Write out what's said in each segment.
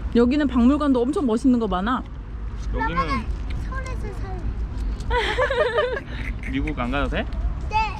여기는 박물관도 엄청 멋있는 거 많아. 여기는 서울에서 살래. 미국 안 가도 돼? 네.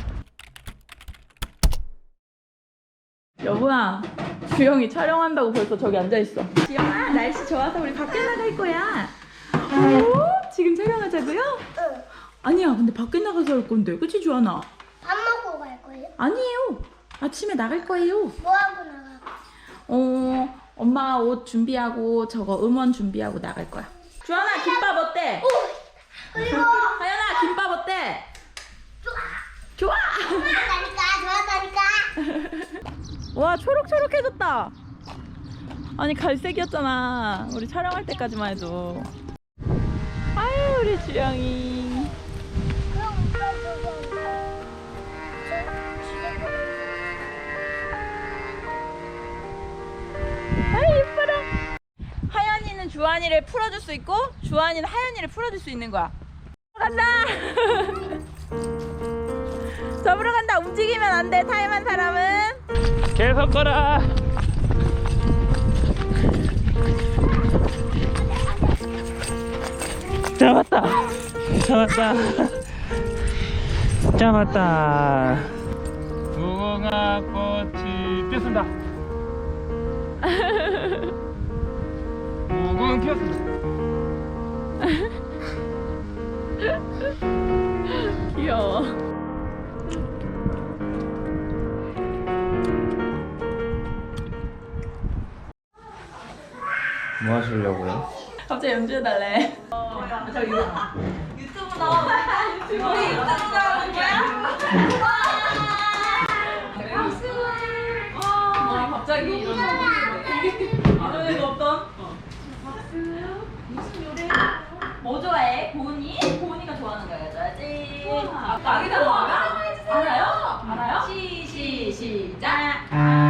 여보야, 주영이 촬영한다고 벌써 저기 앉아있어. 주영아, 날씨 좋아서 우리 밖에 나갈 거야. 오, 지금 촬영하자고요? 응. 아니야, 근데 밖에 나가서 할 건데, 그치 주하나? 밥 먹고 갈 거예요? 아니에요, 아침에 나갈 거예요. 뭐 하고 나가? 엄마 옷 준비하고 저거 음원 준비하고 나갈 거야. 주하나, 김밥 어때? 그리고 하연아, 김밥 어때? 좋아. 좋아한다니까. 와, 초록초록해졌다. 아니, 갈색이었잖아 우리 촬영할 때까지만 해도. 아유, 우리 주영이. 아이, 예뻐라. 하연이는 주한이를 풀어줄 수 있고 주한이는 하연이를 풀어줄 수 있는 거야. 간다. 접으러 간다. 움직이면 안 돼. 타임한 사람은. 계속 걸어. 잡았다. 잡았다. 잡았다. 무궁화 꽃이 피었습니다. 무궁 피었습니다. 귀여워. 뭐 하시려고요? 갑자기 연주해달래. 저 이거 유튜브 나와. 유튜브 나오는 거야? 갑자기 이전에도 없던. 무슨 노래? 뭐 좋아해? 고은이? 고은이가 좋아하는 거 해줘야지. 나기다 뭐야? 알아요? 알아요? 시작.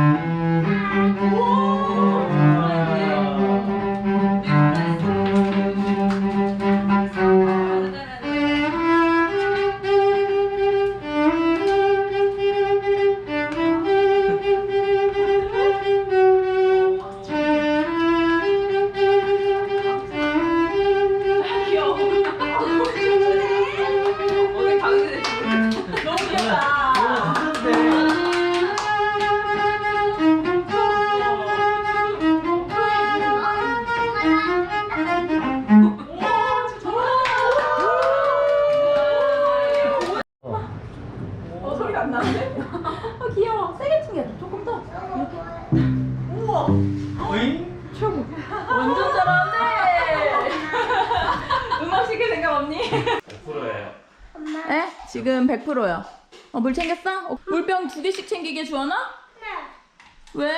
소리가 안 나는데? 귀여워. 세게 튕겨. 조금 더. 이렇게. 우와. 최고. 완전 잘하네. 음악 시킬 생각 없니? 100%예요. 에? 지금 100%야. 물 챙겼어? 물병 2개씩 챙기게 주원아? 네. 왜?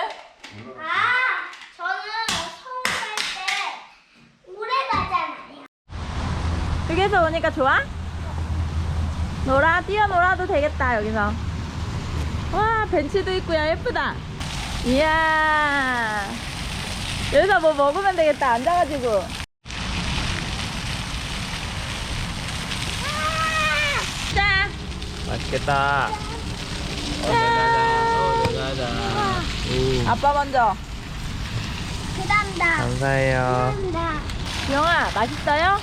저는 서울 갈 때 오래 가잖아요. 여기서 오니까 좋아? 뛰어놀아도 되겠다, 여기서. 와, 벤치도 있고, 야, 예쁘다. 이야. 여기서 뭐 먹으면 되겠다, 앉아가지고. 자. 맛있겠다. 가자. 아빠 먼저. 그다음다. 감사해요. 그다음다. 주영아, 맛있어요?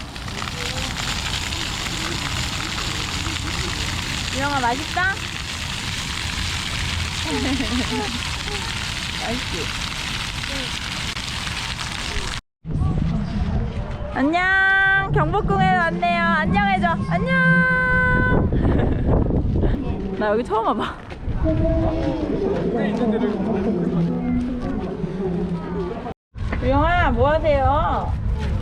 주영아, 맛있다? 맛있지? 안녕. 경복궁에 왔네요. 안녕해줘. 안녕. 나 여기 처음 와봐. 주영아, 뭐 하세요?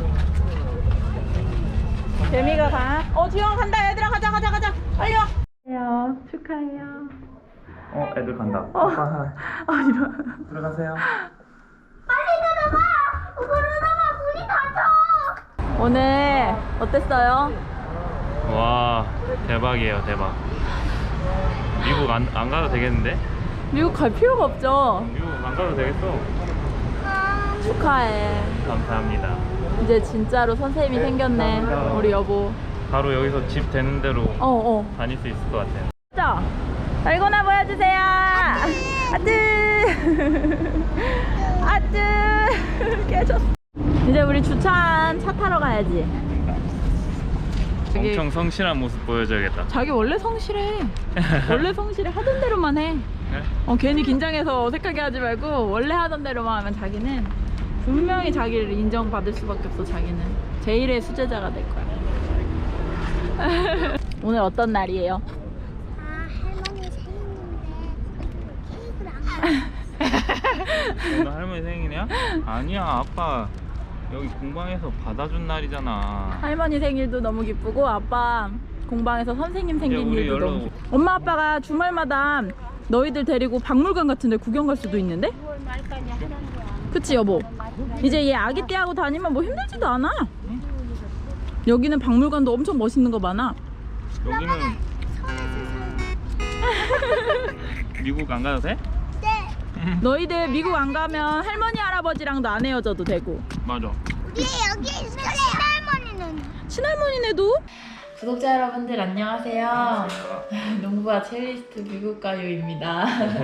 재미가 가. 주영 간다. 얘들아, 가자. 빨리 와. 축하해요. 애들 간다. 이런. 들어가세요. 빨리 들어가. 그러다가 문이 닫혀. 오늘 어땠어요? 와, 대박이에요, 대박. 미국 안 가도 되겠는데? 미국 갈 필요가 없죠. 미국 안 가도 되겠어. 축하해. 감사합니다. 이제 진짜로 선생님이 생겼네. 우리 여보. 바로 여기서 집 되는 대로 다닐 수 있을 것 같아요. 자, 달고나 보여주세요. 아뜨. 아뜨. 깨졌어. 우리 주차한 차 타러 가야지. 자기- 엄청 성실한 모습 보여줘야겠다. 자기 원래 성실해. 원래 성실해. 하던 대로만 해. 네? 괜히 긴장해서 어색하게 하지 말고 원래 하던 대로만 하면 자기는 분명히 자기를 인정받을 수밖에 없어. 자기는 제일의 수제자가 될 거야. 오늘 어떤 날이에요? 아, 할머니 생일인데 케이크를 안 오늘 할머니 생일이야? 아니야, 아빠 여기 공방에서 받아준 날이잖아. 할머니 생일도 너무 기쁘고 아빠 공방에서 선생님 생긴 우리 일도 열로- 너무 기쁘고. 엄마 아빠가 주말마다 너희들 데리고 박물관 같은 데 구경 갈 수도 있는데? 6월 말까지 하는 거야. 그치 여보? 이제 얘 아기 때 하고 다니면 뭐 힘들지도 않아. 여기는 박물관도 엄청 멋있는 거 많아. 여기는 미국 안 가도 돼? 네. 너희들 미국 안 가면 할머니 할아버지랑도 안 헤어져도 되고. 맞아. 우리 여기 할머니는 친할머니네도. 구독자 여러분들 안녕하세요. 농부와 첼리스트 미국가요입니다.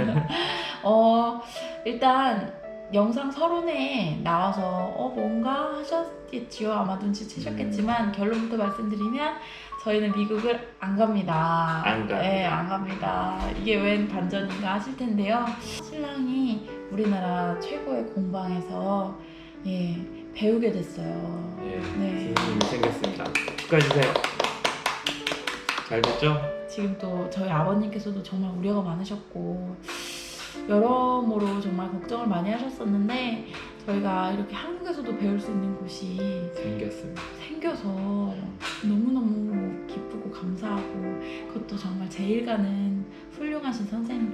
일단 영상 서론에 나와서 뭔가 하셨겠지요. 아마 눈치채셨겠지만 결론부터 말씀드리면 저희는 미국을 안 갑니다. 안 갑니다. 네, 안 갑니다. 이게 웬 반전인가 하실 텐데요. 신랑이 우리나라 최고의 공방에서 배우게 됐어요. 예, 네. 선생님이 생겼습니다. 축하해주세요. 잘 됐죠? 지금 또 저희 아버님께서도 정말 우려가 많으셨고 여러모로 정말 걱정을 많이 하셨었는데 저희가 이렇게 한국에서도 배울 수 있는 곳이 생겼습니다. 생겨서 너무너무 기쁘고 감사하고 그것도 정말 제일 가는 훌륭하신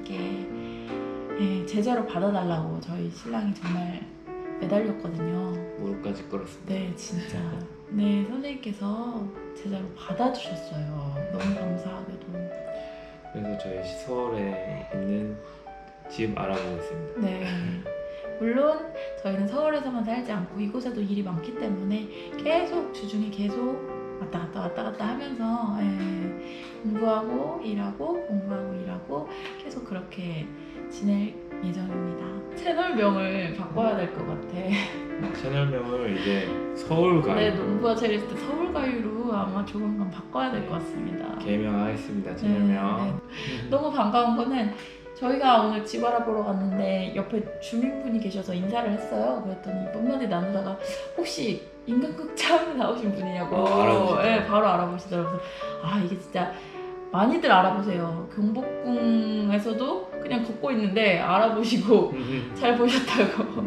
선생님께 제자로 받아달라고 저희 신랑이 정말 매달렸거든요. 무릎까지 꿇었습니다. 네, 진짜. 네, 선생님께서 제자로 받아주셨어요. 너무 감사하게도. 그래서 저희 서울에 있는 집 알아보고 있습니다. 네. 물론 저희는 서울에서만 살지 않고 이곳에도 일이 많기 때문에 계속 주중에 계속 왔다 갔다 하면서 공부하고 일하고 공부하고 일하고 계속 그렇게 지낼 예정입니다. 채널명을 바꿔야 될 것 같아. 채널명을 이제 서울가요 네, 농부와 첼리스트 서울가요로 아마 조만간 바꿔야 될 것 같습니다. 개명하겠습니다. 채널명. 너무 반가운 거는 저희가 오늘 집 알아보러 갔는데 옆에 주민분이 계셔서 인사를 했어요. 그랬더니 몇 마디 나누다가 혹시 인간극 처음에 나오신 분이냐고 알아보시더라고요. 네, 바로 알아보시더라고요. 아 이게 진짜 많이들 알아보세요. 경복궁에서도 그냥 걷고 있는데 알아보시고 잘 보셨다고.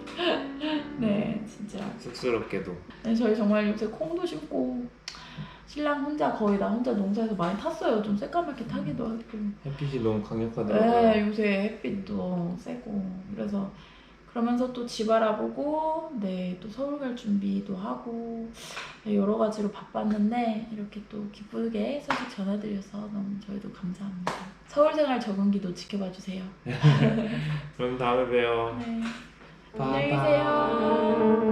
네 진짜. 쑥스럽게도 네, 저희 정말 요새 콩도 심고 신랑 혼자 거의 나 혼자 농사에서 많이 탔어요. 좀 새까맣게 타기도 하고. 햇빛이 너무 강력하더라고요. 네, 요새 햇빛도 세고 그래서 그러면서 또 집 알아보고 또 서울 갈 준비도 하고 여러 가지로 바빴는데 이렇게 또 기쁘게 소식 전해드려서 너무 저희도 감사합니다. 서울 생활 적응기도 지켜봐 주세요. 그럼 다음에 봬요. 네. 빠빠. 안녕히 계세요.